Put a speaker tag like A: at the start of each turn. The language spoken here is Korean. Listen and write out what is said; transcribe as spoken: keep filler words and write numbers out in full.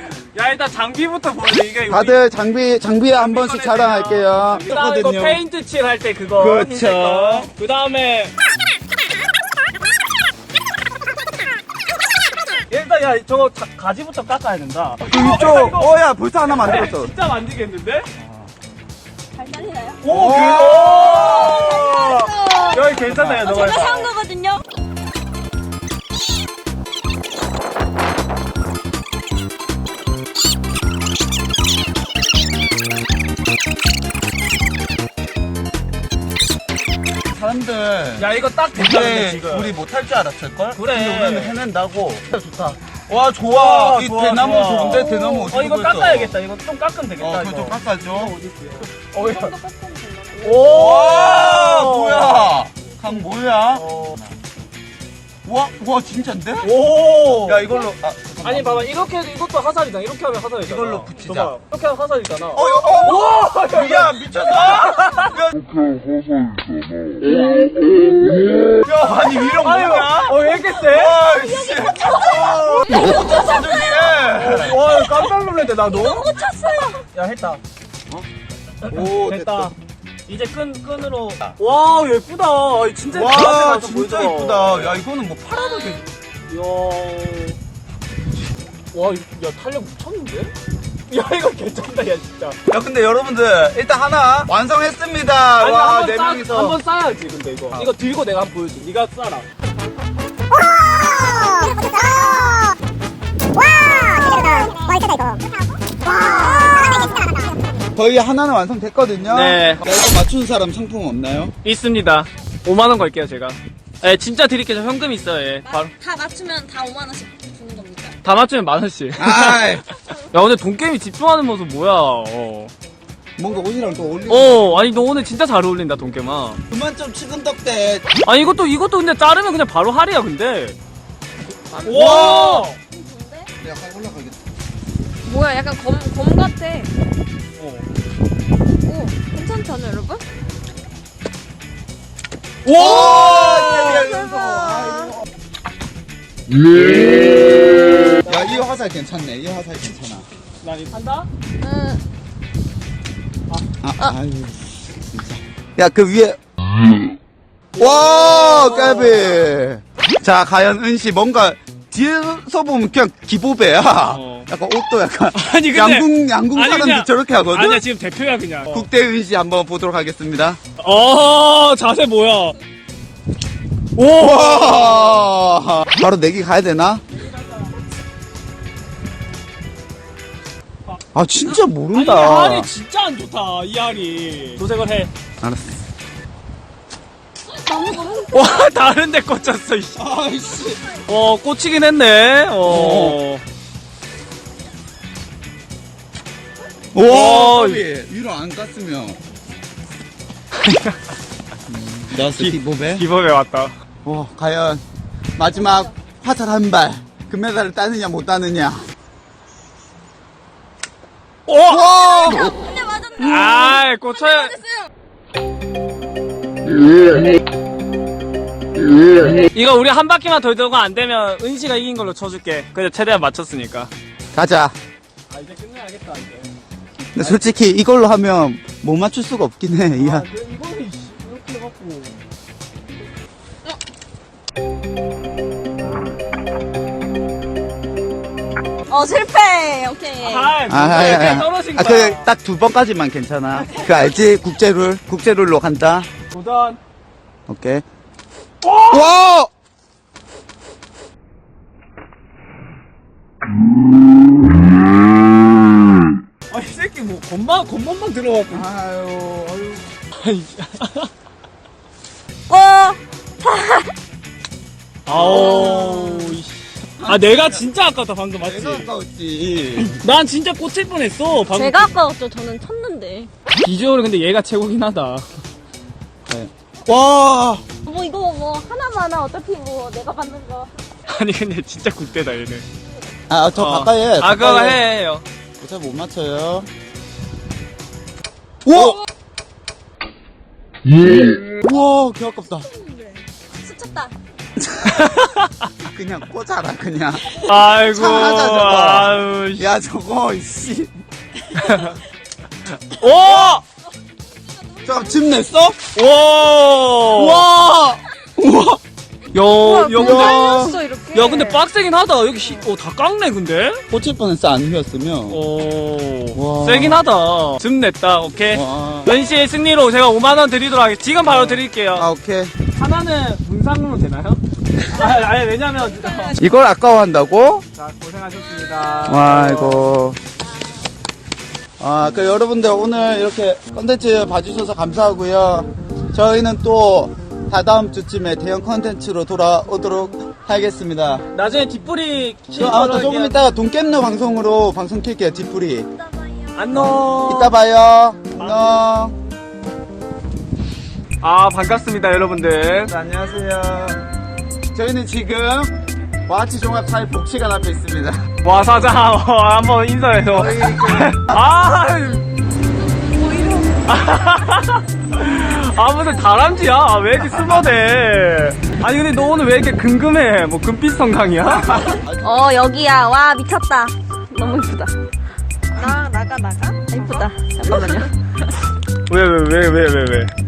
A: 야 일단 장비부터 보여줘. 이게
B: 다들 장비 장비 한 번씩 자랑할게요.
A: 그다음에 이거 페인트 칠 할 때 그거.
B: 그렇죠.
A: 그 다음에 일단 야 저거 가, 가지부터 깎아야 된다.
B: 이쪽. 어야 벌써 하나 만들었어.
A: 진짜 만지겠는데?
C: 잘 잘리나요?
A: 오,
B: 오!
A: 그 여기 괜찮아요. 너가
C: 제가 사온 거거든요.
B: 사람들
A: 야 이거 딱 됐다 근데
B: 근데
A: 지금.
B: 우리 못할 줄 알았을걸?
A: 그래.
B: 근데 우리는 해낸다고. 좋다. 와 좋아.
A: 와,
B: 이
A: 좋아,
B: 대나무
A: 좋아.
B: 좋은데 대나무 어디
A: 어 이거 깎아야겠다. 이거 좀 깎으면 되겠다.
B: 어
A: 이거.
B: 그거 좀 깎아줘.
A: 어, 야.
B: 오
A: 와
B: 뭐야? 강 뭐야?
A: 어.
B: 와, 와 진짜인데?
A: 오.
B: 야 이걸로 아,
A: 아니 봐봐 이렇게 해도 이것도 화살이잖아. 이렇게 하면 화살이잖아.
B: 이걸로 붙이자.
A: 봐봐. 이렇게 하면 화살이잖아.
B: 어, 어, 어,
A: 오!
B: 야 미쳤어? 야, 야 아니 위로
A: 아유,
B: 뭐야?
A: 어, 왜 이렇게 세?
B: 아이씨. 어떡해.
A: 와, 깜짝 놀랐네, 나 너.
C: 너무 쳤어요.
A: 야, 했다.
B: 오
A: 됐다. 이제 끈, 끈으로. 와, 예쁘다. 아이, 진짜
B: 와
A: 가서
B: 진짜
A: 보여줘.
B: 이쁘다. 야 이거는 뭐 팔아도 돼.
A: 이야. 와, 이- 야, 탄력 미쳤는데? 야, 이거 괜찮다, 야, 진짜.
B: 야 근데 여러분들 일단 하나 완성했습니다.
A: 아니,
B: 와
A: 한번
B: 네
A: 싸-
B: 명이서.
A: 한번 싸야지, 근데 이거.
B: 아.
A: 이거 들고 내가 한번 보여줘. 네가 싸라.
B: 거의 하나는 완성됐거든요.
A: 네.
B: 야, 이거 맞춘 사람 상품 없나요?
A: 있습니다. 오만 원 걸게요, 제가. 예, 진짜 드릴게요. 저 현금 있어요, 예. 바로.
C: 다 맞추면 다 오만 원씩 주는 겁니까?
A: 다 맞추면 만 원씩.
B: 아이
A: 야, 근데 돈게임이 집중하는 모습 뭐야, 어.
B: 뭔가 옷이랑 또 어울리는.
A: 어, 아니, 너 오늘 진짜 잘 어울린다, 돈게임아.
B: 그만 좀 치근덕대.
A: 아니, 이것도, 이것도 근데 자르면 그냥 바로 할이야, 근데. 와!
C: 좋은데?
B: 내가 확 올라가겠다.
C: 뭐야, 약간 검, 검 같아.
A: 어.
C: 오, 괜찮지 않아요, 여러분?
B: 와!
C: 대박.
B: 야, 이 화살 괜찮네. 이 화살 괜찮아.
A: 나 이거 한다?
C: 응.
B: 아, 아유, 진짜. 야, 그 위에. 와, 까비. 자, 과연 은씨 뭔가 뒤에서 보면 그냥 기보배야.
A: 어.
B: 약간 옷도 약간.
A: 아니, 근데-
B: 양궁, 양궁
A: 아니,
B: 사람들
A: 그냥-
B: 저렇게 하거든?
A: 아니야, 지금 대표야, 그냥.
B: 국대 은씨 한번 보도록 하겠습니다.
A: 어, 자세 뭐야? 오!
B: 와! 바로 내기 가야 되나? 아, 진짜
A: 아니,
B: 모른다.
A: 할이 진짜 안 좋다, 이 할이. 도색을 해.
B: 알았어.
C: 너무 너무.
A: 와, 다른 데 꽂혔어, 이씨.
B: 아이씨.
A: 어, 꽂히긴 했네. 어.
B: 와,
A: 와,
B: 까비. 위로 안 깠으면. 나왔어,
A: 기-
B: 기보배.
A: 기법에 왔다.
B: 와, 과연 마지막 화살 한 발. 금메달을 따느냐, 못 따느냐.
A: 오!
B: 와!
C: 근데 맞았네.
A: 아이, 꽂혀야. 이거 우리 한 바퀴만 더 들고 안 되면 은시가 이긴 걸로 쳐줄게. 그래, 최대한 맞췄으니까.
B: 가자.
A: 아, 이제 끝내야겠다, 이제.
B: 근데 솔직히 이걸로 하면 못 맞출 수가 없긴 해. 이
A: 아,
B: 한.
A: 근데 이거는 이씨, 이렇게 해갖고.
C: 어, 실패. 오케이.
A: 아,
B: 아, 아,
A: 이렇게
B: 아,
A: 떨어진
B: 아,
A: 거야.
B: 그, 딱 두 번까지만 괜찮아. 그 알지? 국제룰. 국제룰로 간다.
A: 도전.
B: 오케이. 와!
A: 아, 이 새끼 뭐, 겉만, 겉만만 들어갖고.
B: 아유, 아유.
A: 아이,
C: 와.
A: 아우, 이씨. 아, 내가 진짜 아깝다, 방금, 맞지?
B: 내가 아까웠지.
A: 난 진짜 꽂힐 뻔했어, 방금.
C: 제가 아까웠죠. 저는 쳤는데.
A: 비주얼은 근데 얘가 최고긴 하다.
B: 네. 와!
C: 뭐 이거 뭐 하나만 하나 어차피 뭐 내가 받는 거.
A: 아니, 근데 진짜 국대다, 얘는.
B: 아, 저
A: 어.
B: 가까이 해.
A: 아, 그거
B: 가까이
A: 해, 해요.
B: 어차피 못 맞춰요. 우와! 우와, 개 아깝다.
C: 스쳤다.
B: 그냥 꽂아라 그냥.
A: 아이고.
B: 참하자, 저거.
A: 아유, 씨.
B: 야 저거 씨.
A: 오!
B: 저집 냈어?
A: 오!
B: 우와. 우와.
A: 야, 야, 근데.
C: 깔렸어, 이렇게.
A: 야, 근데 빡세긴 하다. 여기 시, 어, 다 깎네, 근데?
B: 꽂힐 뻔했어 안 휘었으면.
A: 오.
B: 와.
A: 세긴 하다. 좀 냈다, 오케이.
B: 와.
A: 은씨의 승리로 제가 오만원 드리도록 하겠습니다. 지금 바로 드릴게요.
B: 아 오케이.
A: 하나는 문상으로 되나요? 아, 아니, 왜냐면.
B: 이걸 아까워한다고?
A: 자, 고생하셨습니다.
B: 와 이거. 아, 그 여러분들 오늘 이렇게 컨텐츠 봐주셔서 감사하고요. 저희는 또 다다음 주쯤에 대형 컨텐츠로 돌아오도록 하겠습니다.
A: 나중에 뒷불이
B: 저, 아, 또 조금 이따가 돈 깻느 방송으로 방송 킬게요, 뒷풀이.
A: 안녕.
B: 이따 봐요. 안녕.
A: 아, 반갑습니다, 여러분들.
B: 자, 안녕하세요. 저희는 지금 와치 종합사회 복지관 앞에 있습니다.
A: 와, 사장, 어, 한번 인사해줘.
B: 저희 그
A: 아, 아, 무슨 다람쥐야? 아, 왜 이렇게 숨어대? 아니, 근데 너 오늘 왜 이렇게 금금해? 뭐, 금빛 성강이야?
C: 어, 여기야. 와, 미쳤다. 너무 이쁘다. 나, 나가, 나가? 이쁘다. 잠깐만요.
A: 왜, 왜, 왜, 왜, 왜, 왜?